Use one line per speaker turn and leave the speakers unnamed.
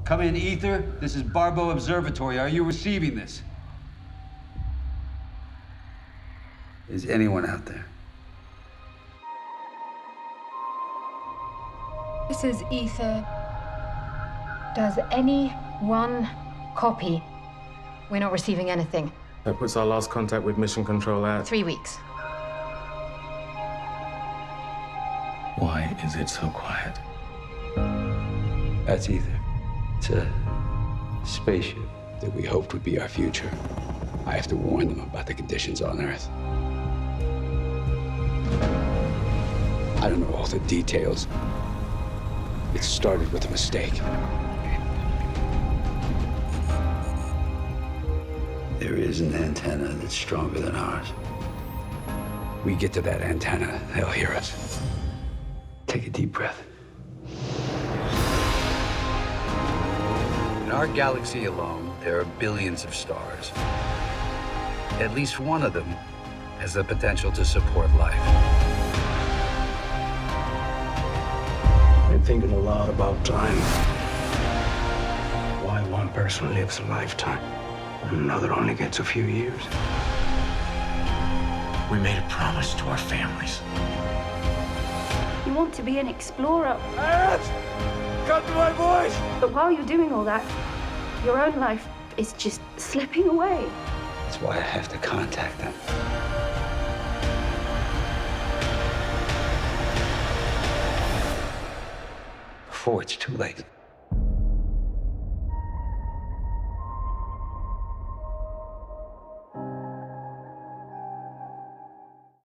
Come in, Ether. This is Barbo Observatory. Are you receiving this? Is anyone out there?
This is Ether. Does anyone copy? We're not receiving anything.
That puts our last contact with Mission Control at
3 weeks.
Why is it so quiet?
That's Ether. It's a spaceship
that we hoped would be our future. I have to warn them about the conditions on Earth. I don't know all the details. It started with a mistake.
There is an antenna that's stronger than ours.
We get to that antenna, they'll hear us.
Take a deep breath. In our galaxy alone, there are billions of stars. At least one of them has the potential to support life.
Been thinking a lot about time. Why one person lives a lifetime and another only gets a few years.
We made a promise to our families.
You want to be an explorer.
Cut to my voice!
But while you're doing all that, your own life is just slipping away.
That's why I have to contact them. Before it's too late.